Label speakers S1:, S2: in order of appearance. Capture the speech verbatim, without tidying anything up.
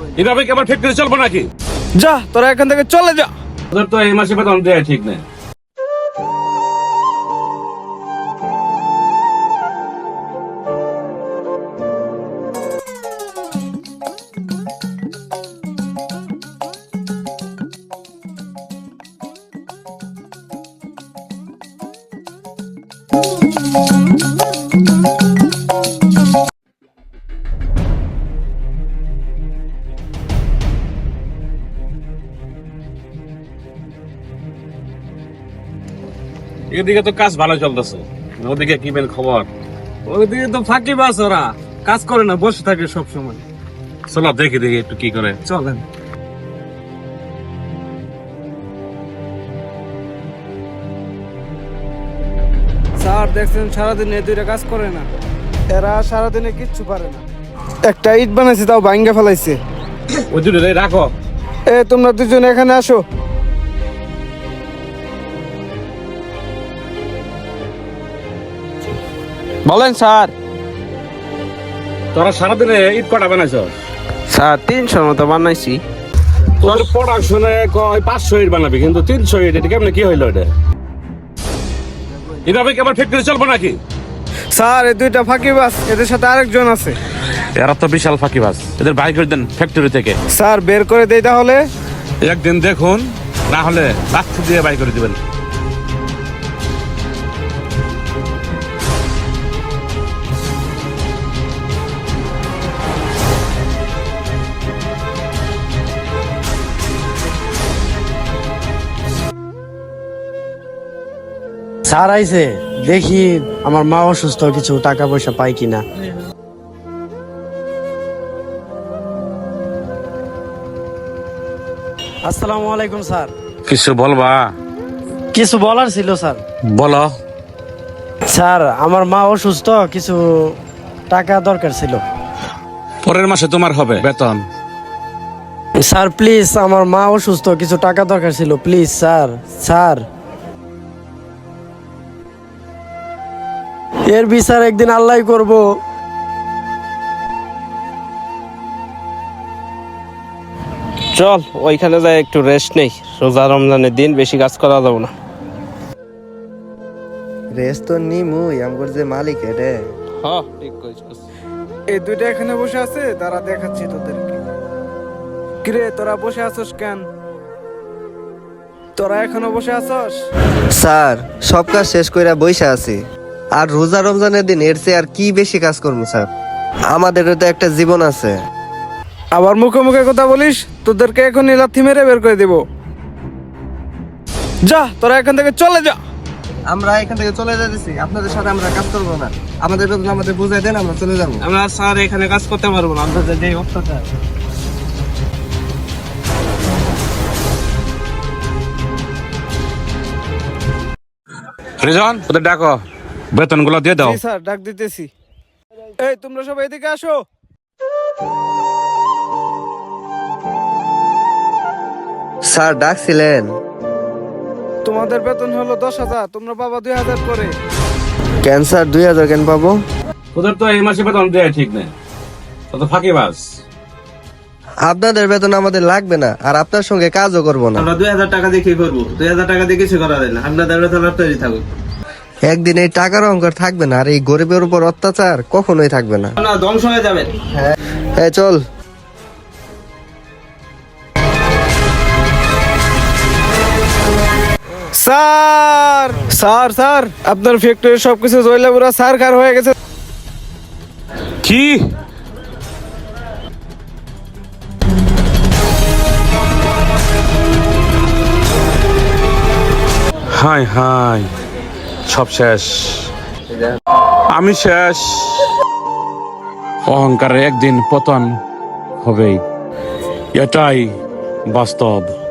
S1: এভাবে কি আমার ফ্যাক্টরি চলবো নাকি?
S2: যা তোরা এখান থেকে চলে যা।
S1: ওদের তো এই মাসে বেতন দেয়া ঠিক নেই। এদিকে তো কাজ ভালো চলতেছে, ওদিকে কি বেন খবর?
S2: ওইদিকে তো ফাঁকি বাস, ওরা কাজ করে না, বসে থাকে সব সময়।
S1: চলো দেখি দেখি একটু কি করে।
S2: চলেন। স্যার দেখছেন সারাদিন এই দুইটা কাজ করে না, এরা সারাদিনে কিচ্ছু পারে না। একটা ইট বানাইছে তাও ভাঙ্গা ফেলাইছে।
S1: ওই দুটো রাখো।
S2: এ তোমরা দুজন এখানে আসো।
S3: বলেন স্যার।
S1: তোরা সারাদিনে ইট কটা বানাইছ?
S3: স্যার তিনশোর মতো বানাইছি।
S1: তোর প্রোডাকশনে কয় পাঁচশো ইট বানাবি, কিন্তু তিনশো ইট, এটা কেমনে কি হইলো? এটা এভাবে কি আমার ফ্যাক্টরি চলবো নাকি?
S2: স্যার এই দুইটা ফাঁকি বাস, এদের সাথে আরেকজন আছে।
S1: এরা তো বিশাল ফাঁকিবাজ, এদের বাই করে দেন ফ্যাক্টরি থেকে।
S2: স্যার বের করে দেই তাহলে।
S1: একদিন দেখুন, না হলে লাঠি দিয়ে বাই করে দিবেন।
S4: স্যার আইছে, দেখি আমার মা অসুস্থ, কিছু টাকা পয়সা পাই কিনা। আসসালামু আলাইকুম স্যার।
S1: কিছু বলবা?
S4: কিছু বলার ছিল স্যার।
S1: বলো।
S4: স্যার আমার মা অসুস্থ, কিছু টাকা দরকার ছিল।
S1: পরের মাসে তোমার হবে বেতন।
S4: স্যার প্লিজ, আমার মা অসুস্থ, কিছু টাকা দরকার ছিল, প্লিজ স্যার। স্যার এর বিচার একদিন আল্লাহ করব।
S3: চল ওইখানে যাই একটু রেস্ট নেই, রোজা রমজানের দিন বেশি কাজ করা যাবো না।
S5: রেস্ট তো নিমুই, আমগর যে মালিক রে।
S3: হ্যাঁ ঠিক কইছস।
S2: এই দুইটা এখানে বসে আছে, তারা দেখাচ্ছি তোদেরকে। কিরে তোরা বসে আছস কেন? তোরা এখনো বসে আছস?
S5: স্যার সব কাজ শেষ কইরা বইসা আছি, আর রোজা রমজানের দিন এর চেয়ে আর কি বেশি কাজ করবো স্যার? আমাদেরও তো একটা জীবন আছে।
S2: আবার মুখে মুখে কথা বলিস, তোদেরকে এখন লাথি মেরে বের করে দিব। যা তোরা এখান থেকে চলে যা।
S5: আমরা এখান থেকে চলে যাচ্ছি, আপনাদের সাথে আমরা কাজ করবো না। আমাদের বেতন আমাদের বুঝাই দেন, আমরা চলে যাবো।
S2: আমরা স্যার এখানে কাজ করতে পারবো না, আপনাদের যে অত্যাচার।
S1: রিজন, ওদের ডাকো, বেতন গুলো দিয়ে দাও।
S2: জি স্যার, ডাক দিতেছি। এই তোমরা সবাই এদিকে আসো।
S5: স্যার ডাকছিলেন?
S2: তোমাদের বেতন হলো দশ হাজার, তোমরা পাবা দুই হাজার করে।
S5: কেন স্যার দুই হাজার কেন পাবো?
S1: ওদের তো এই মাসে বেতন দেয়া ঠিক নেই, তো ফাঁকিবাজ।
S5: আপনাদের বেতন আমাদের লাগবে না, আর আপনার সঙ্গে কাজও করবো না।
S6: আমরা দুই হাজার টাকা দিয়ে কি করবো? দুই হাজার টাকা দিয়ে কিছু করা যায় না। আপনাদের বেতন তৈরি থাকুক।
S5: একদিন এই টাকার অঙ্কর থাকবে না, আর এই গরিবের উপর অত্যাচার কখনোই থাকবে না।
S6: না, ধ্বংস হয়ে যাবেন।
S5: হ্যাঁ চল।
S2: স্যার স্যার স্যার আপনার ফ্যাক্টরির সবকিছু জয়লা পুরা সারকার হয়ে গেছে।
S1: কি? হাই হাই, সব শেষ, আমি শেষ। অহংকারের একদিন পতন হবেই, এটাই বাস্তব।